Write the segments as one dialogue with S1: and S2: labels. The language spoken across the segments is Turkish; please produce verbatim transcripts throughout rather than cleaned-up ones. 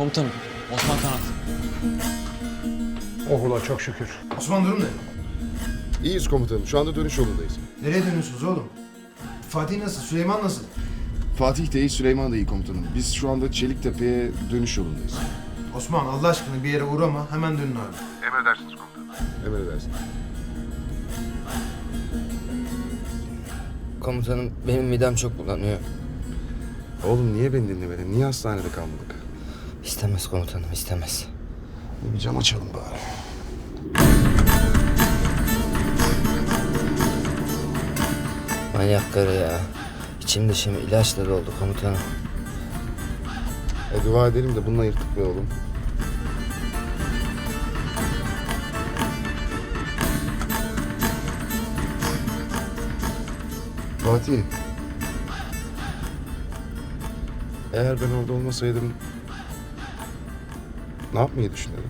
S1: Komutanım, Osman Kanat.
S2: Oh ulan çok şükür.
S3: Osman durum ne?
S4: İyiyiz komutanım. Şu anda dönüş yolundayız.
S3: Nereye dönüyorsunuz oğlum? Fatih nasıl? Süleyman nasıl?
S4: Fatih de iyi, Süleyman da iyi komutanım. Biz şu anda Çeliktepe'ye dönüş yolundayız.
S3: Osman Allah aşkına bir yere uğrama. Hemen dönün abi.
S4: Emredersiniz komutanım. Emredersiniz.
S5: Komutanım benim midem çok bulanıyor.
S4: Oğlum niye beni dinlemedin? Niye hastanede kalmadık?
S5: İstemez komutanım, istemez.
S4: Bir cam açalım bari.
S5: Manyak karı ya. İçim dışım ilaçla doldu komutanım.
S4: E, dua edelim de bununla yırttık be oğlum. Fatih. Eğer ben orada olmasaydım ne yapmayı düşünüyordun?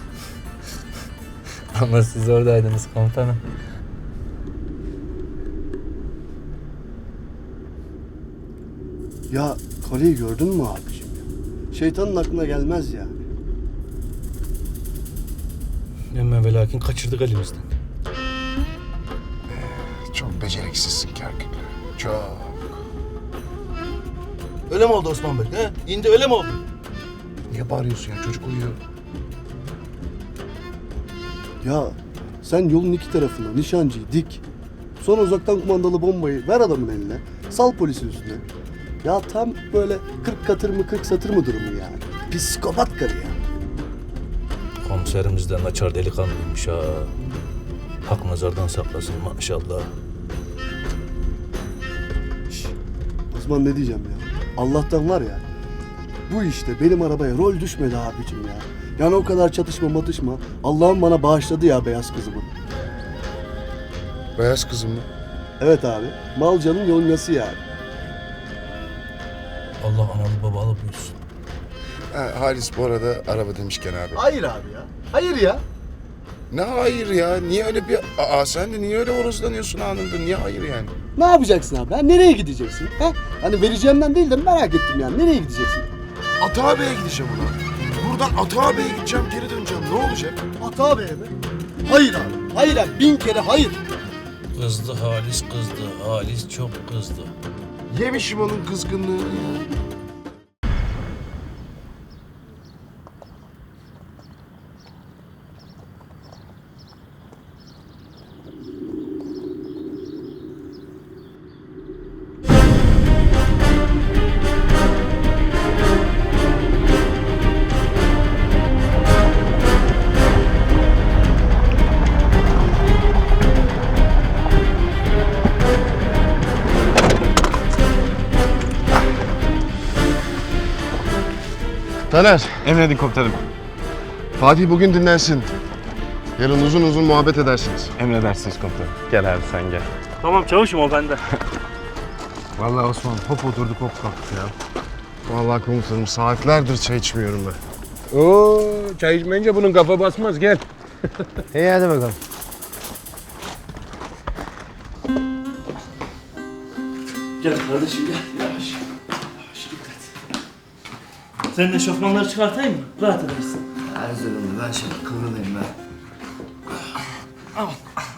S5: Ama siz oradaydınız komutanım.
S6: Ya Kale'yi gördün mü abiciğim ya? Şeytanın aklına gelmez yani.
S2: Ama ve lakin kaçırdık elimizden.
S4: Çok beceriksizsin Kerkük. Çok.
S7: Öyle mi oldu Osman Bey? He? İndi öyle mi oldu?
S4: Niye bağırıyorsun ya? Çocuk uyuyor.
S6: Ya sen yolun iki tarafına nişancıyı dik. Sonra uzaktan kumandalı bombayı ver adamın eline. Sal polisin üstüne. Ya tam böyle kırk katır mı kırk satır mı durumu yani. Psikopat karı ya.
S2: Komiserimiz de naçar delikanlıymış ha. Hak nazardan saklasın maşallah.
S6: Osman ne diyeceğim ya? Allah'tan var ya. Bu işte benim arabaya rol düşmedi abicim ya. Yani o kadar çatışma matışma. Allah'ım bana bağışladı ya beyaz kızımı.
S4: Beyaz kızım mı?
S6: Evet abi. Malcanın yolgası yani.
S2: Allah analı babalı büyüsün.
S4: Ha, Halis bu arada araba demişken abi.
S6: Hayır abi ya. Hayır ya.
S4: Ne hayır ya? Niye öyle bir... Aa sen de niye öyle horozlanıyorsun anında? Niye hayır yani?
S6: Ne yapacaksın abi? Ha? Nereye gideceksin? Ha? Hani vereceğimden değil de merak ettim yani. Nereye gideceksin?
S4: Ata Bey'e gideceğim ulan. Buradan Ata Bey'e gideceğim, geri döneceğim. Ne olacak?
S6: Ata Bey'e mi? Hayır abi. Hayır abi. Bin kere hayır.
S2: Kızdı Halis kızdı. Halis çok kızdı.
S4: Yemişim onun kızgınlığını ya. Taner.
S8: Emredin komutanım.
S4: Fatih bugün dinlensin. Yarın uzun uzun muhabbet edersiniz.
S8: Emredersiniz komutanım. Gel abi sen gel.
S2: Tamam çavuşum o bende.
S8: Vallahi Osman hop oturduk hop kalktık ya.
S4: Vallahi komutanım saatlerdir çay içmiyorum ben.
S2: Oo, çay içmeyince bunun kafa basmaz gel.
S8: İyi hadi bakalım.
S9: Gel kardeşim gel. Yavaş. Yavaş dikkat. Senin eşofmanları çıkartayım mı? Rahat edersin.
S5: Erzurumlu ben şöyle kıvrılayım ben.
S9: Aman.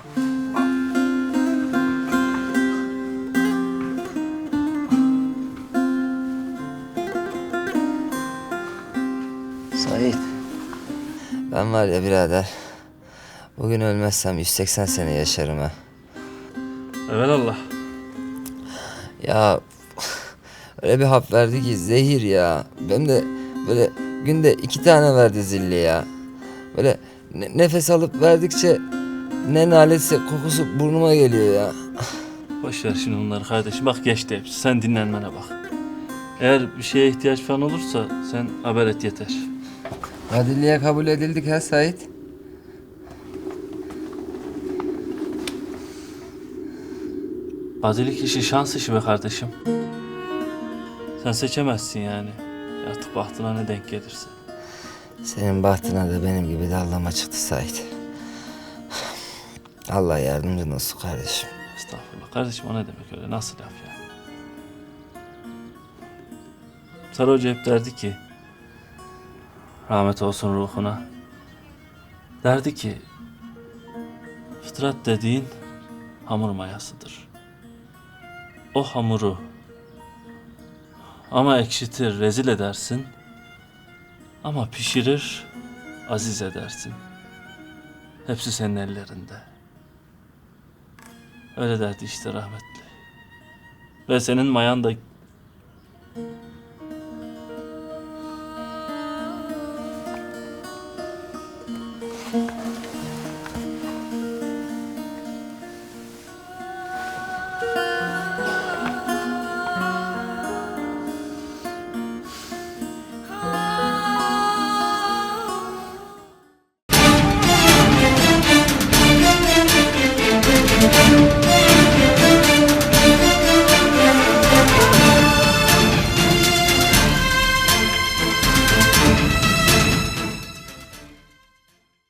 S5: Sait. Ben var ya birader. Bugün ölmezsem yüz seksen sene yaşarım ha.
S9: Evelallah.
S5: Ya öyle bir hap verdi ki zehir ya. Benim de böyle günde iki tane verdi zilli ya. Böyle ne- nefes alıp verdikçe ne naletse kokusu burnuma geliyor ya.
S9: Boş ver şimdi bunları kardeşim. Bak geçti hepsi. Sen dinlenmene bak. Eğer bir şeye ihtiyaç falan olursa sen haber et yeter.
S5: Adilliye kabul edildik ha Sait.
S9: Bazilik işi şans işi be kardeşim. Sen seçemezsin yani. Artık bahtına ne denk gelirse.
S5: Senin bahtına da benim gibi dallama çıktı Sait. Allah yardımcın olsun kardeşim.
S9: Estağfurullah. Kardeşim o ne demek öyle? Nasıl laf ya? Sarı Hoca hep derdi ki Rahmet olsun ruhuna. Derdi ki, fıtrat dediğin hamur mayasıdır. O hamuru ama ekşitir, rezil edersin. Ama pişirir, aziz edersin. Hepsi senin ellerinde. Öyle derdi işte rahmetli. Ve senin mayan da